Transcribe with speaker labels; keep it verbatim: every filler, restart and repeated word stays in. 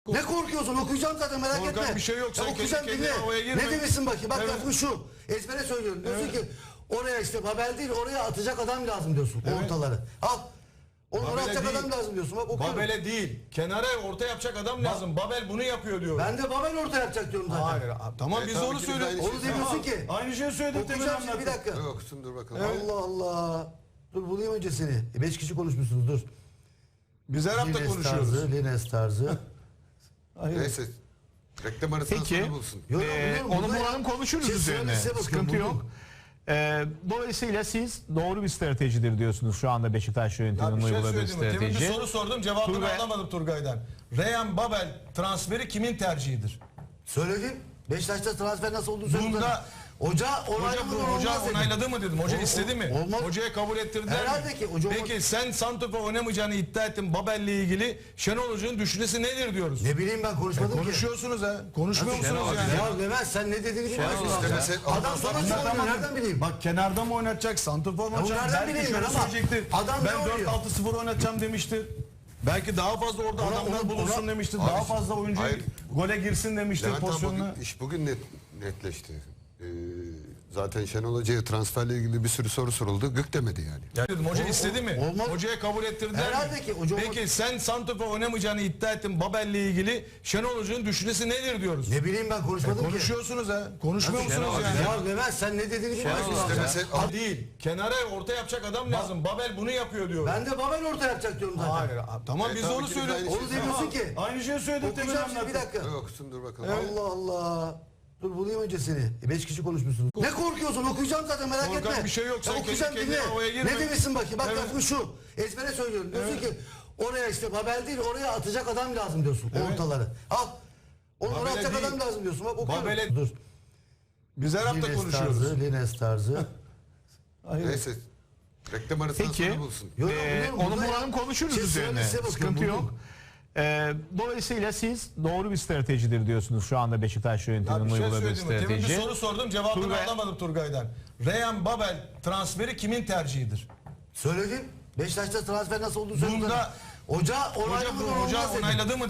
Speaker 1: Ne korkuyorsun? Okuyacağım zaten, merak
Speaker 2: Korkan
Speaker 1: etme.
Speaker 2: bir şey yok. Sen
Speaker 1: Ya okuyacağım,
Speaker 2: kendi
Speaker 1: dinle.
Speaker 2: kendine havaya girme.
Speaker 1: Ne demişsin bakayım? Bak
Speaker 2: Evet.
Speaker 1: lafın şu. Ezbere söylüyorum. Diyorsun
Speaker 2: Evet.
Speaker 1: ki oraya işte Babel değil, oraya atacak adam lazım diyorsun.
Speaker 2: Evet.
Speaker 1: Ortaları. Al. Onu oraya
Speaker 2: Babel'e
Speaker 1: atacak
Speaker 2: değil.
Speaker 1: adam lazım diyorsun. Bak okuyorum.
Speaker 2: Babel'e değil. Kenara orta yapacak adam lazım. Babel bunu yapıyor diyor.
Speaker 1: Ben de Babel orta yapacak diyorum zaten.
Speaker 2: Hayır. Tamam
Speaker 3: Evet,
Speaker 2: biz
Speaker 3: tabii
Speaker 2: onu
Speaker 3: ki biz
Speaker 2: söylüyoruz.
Speaker 3: aynı
Speaker 1: Onu demiyorsun ki.
Speaker 2: Aynı şeyi söyledik demin
Speaker 1: Okuyacağım şimdi, bir
Speaker 2: anlattık.
Speaker 1: dakika.
Speaker 3: Okusun dur bakalım.
Speaker 2: Evet.
Speaker 1: Allah Allah. Dur bulayım önce seni. E, beş kişi konuşmuşsunuz, dur.
Speaker 2: Biz her hafta
Speaker 1: Lines
Speaker 2: konuşuyoruz.
Speaker 1: tarzı, Lines tarzı.
Speaker 2: Hayır.
Speaker 3: Neyse. Reklam arasından
Speaker 4: Peki.
Speaker 3: sonra bulsun.
Speaker 1: Yok,
Speaker 4: Ee,
Speaker 1: biliyorum,
Speaker 4: onu
Speaker 1: burada ya.
Speaker 4: bulalım, konuşuruz
Speaker 1: Siz
Speaker 4: üzerine.
Speaker 1: size bakın,
Speaker 4: Sıkıntı
Speaker 1: buldum.
Speaker 4: yok. Ee, dolayısıyla siz doğru bir stratejidir diyorsunuz şu anda Beşiktaş
Speaker 2: Ya
Speaker 4: yönetiminin
Speaker 2: bir şey
Speaker 4: uyguladığı
Speaker 2: söyleyeyim mi? Temin bir
Speaker 4: strateji.
Speaker 2: soru sordum, cevabını
Speaker 4: Turgay-
Speaker 2: alamadım Turgay'dan. Reyhan Babel transferi kimin tercihidir?
Speaker 1: Söyledim. Beşiktaş'ta transfer nasıl olduğunu söyledim.
Speaker 2: Bunda-
Speaker 1: Hoca
Speaker 2: Hoca,
Speaker 1: onayladı mı?
Speaker 2: hoca
Speaker 1: olmaz dedim.
Speaker 2: onayladı mı dedim. Hoca
Speaker 1: O-
Speaker 2: istedi mi?
Speaker 1: olmaz.
Speaker 2: Hocaya kabul ettirdiler
Speaker 1: Herhalde
Speaker 2: mi?
Speaker 1: ki hoca olmaz.
Speaker 2: Peki sen santrafor oynamayacağını iddia ettin. Babel'le ilgili Şenol Hoca'nın düşüncesi nedir diyoruz?
Speaker 1: Ne bileyim, ben konuşmadım ki.
Speaker 2: Konuşuyorsunuz ha. Konuşmuyor
Speaker 1: Nasıl
Speaker 2: musunuz
Speaker 1: Şenol
Speaker 2: yani?
Speaker 1: Ya Levent, sen ne dediğini bilmiyorsun.
Speaker 3: Hoca'nın
Speaker 1: Ya.
Speaker 3: istemesi-
Speaker 1: Adam sana
Speaker 3: Adam-
Speaker 1: söylüyor, nereden bileyim?
Speaker 2: Bak kenarda mı oynatacak, santrafor mu
Speaker 1: Ya
Speaker 2: oynatacak?
Speaker 1: nereden
Speaker 2: Belki
Speaker 1: bileyim
Speaker 2: şöyle
Speaker 1: ben ama
Speaker 2: söyleyecektir.
Speaker 1: adam ne
Speaker 2: Ben
Speaker 1: oynuyor?
Speaker 2: dört altı sıfır oynatacağım demiştir. Belki daha fazla orada
Speaker 1: Ona-
Speaker 2: adamlar
Speaker 1: ona-
Speaker 2: bulunsun
Speaker 1: ona-
Speaker 2: demiştir.
Speaker 3: Abi,
Speaker 2: Daha fazla oyuncu
Speaker 3: hayır.
Speaker 2: gole girsin demiştir
Speaker 3: Levent abi
Speaker 2: pozisyonuna.
Speaker 3: bugün, iş bugün net, netleşti. Ee, zaten Şenol Hoca'ya transferle ilgili bir sürü soru soruldu. Gık demedi yani.
Speaker 2: Ya dedim, hoca
Speaker 1: Ol-
Speaker 2: istedi mi?
Speaker 1: olmaz.
Speaker 2: Hocaya kabul ettirdiler
Speaker 1: Herhalde
Speaker 2: mi?
Speaker 1: ki hoca olmaz.
Speaker 2: Peki sen santrafor oynamayacağını iddia ettin. Babel'le ilgili Şenol Hoca'nın düşüncesi nedir diyoruz?
Speaker 1: Ne bileyim, ben konuşmadım ki.
Speaker 2: Konuşuyorsunuz ha. Konuşmuyor
Speaker 1: Nasıl
Speaker 2: musunuz
Speaker 1: Şenol
Speaker 2: yani?
Speaker 1: Ya Levent, sen ne dediğini bilmiyorsun. ya.
Speaker 3: istemese-
Speaker 2: Ha, değil. Kenara orta yapacak adam lazım. Babel bunu yapıyor diyor.
Speaker 1: Ben de Babel orta yapacak diyorum zaten.
Speaker 2: Hayır. Tamam
Speaker 3: Evet,
Speaker 2: biz
Speaker 3: tabii
Speaker 2: onu
Speaker 3: ki biz
Speaker 2: söylüyoruz.
Speaker 3: aynı
Speaker 1: Onu demiyorsun ki.
Speaker 2: Aynı şeyi söyledik demin
Speaker 1: Okuyacağım şimdi, bir
Speaker 2: anlattık.
Speaker 1: dakika.
Speaker 3: Dur, okusun dur bakalım.
Speaker 1: Allah Allah. Dur bulayım önce seni. E, beş kişi konuşmuşsunuz. Ne korkuyorsun? Okuyacağım zaten, merak
Speaker 2: Korkan
Speaker 1: etme.
Speaker 2: bir şey yok.
Speaker 1: Ya
Speaker 2: Sen kendi
Speaker 1: okuyacağım,
Speaker 2: kendine
Speaker 1: dinle.
Speaker 2: havaya girme.
Speaker 1: Ne demişsin bakayım? Bak
Speaker 2: Evet.
Speaker 1: lafın şu. Ezbere söylüyorum. Diyorsun ki oraya işte Babel değil, oraya atacak adam lazım diyorsun.
Speaker 2: Evet.
Speaker 1: Ortaları. Al. Onu oraya
Speaker 2: Babel'e
Speaker 1: atacak
Speaker 2: değil.
Speaker 1: adam lazım diyorsun. Bak okuyorum.
Speaker 2: Babel'e-
Speaker 1: Dur.
Speaker 2: Biz her hafta
Speaker 1: Lines
Speaker 2: konuşuyoruz.
Speaker 1: tarzı, Lines tarzı.
Speaker 2: Hayır.
Speaker 3: Neyse. Reklam arasından
Speaker 4: Peki.
Speaker 3: sonra bulsun.
Speaker 1: Yok, yok,
Speaker 4: Ee,
Speaker 1: biliyorum,
Speaker 4: onu
Speaker 1: burada ya.
Speaker 4: bulalım, konuşuruz
Speaker 1: Siz
Speaker 4: üzerine.
Speaker 1: söyle, size bakın,
Speaker 4: Sıkıntı
Speaker 1: buldum.
Speaker 4: yok. Ee, dolayısıyla siz doğru bir stratejidir diyorsunuz şu anda Beşiktaş
Speaker 2: Ya
Speaker 4: yönetiminin
Speaker 2: bir şey
Speaker 4: uyguladığı
Speaker 2: söyleyeyim mi? Temin bir
Speaker 4: strateji.
Speaker 2: soru sordum, cevabını
Speaker 4: Turgay-
Speaker 2: alamadım Turgay'dan. Reyhan Babel transferi kimin tercihidir?
Speaker 1: Söyledim. Beşiktaş'ta transfer nasıl olduğunu söyledim.
Speaker 2: Bunda-
Speaker 1: Hoca
Speaker 2: Hoca,
Speaker 1: onayladı mı?
Speaker 2: hoca
Speaker 1: olmaz dedim.
Speaker 2: onayladı mı?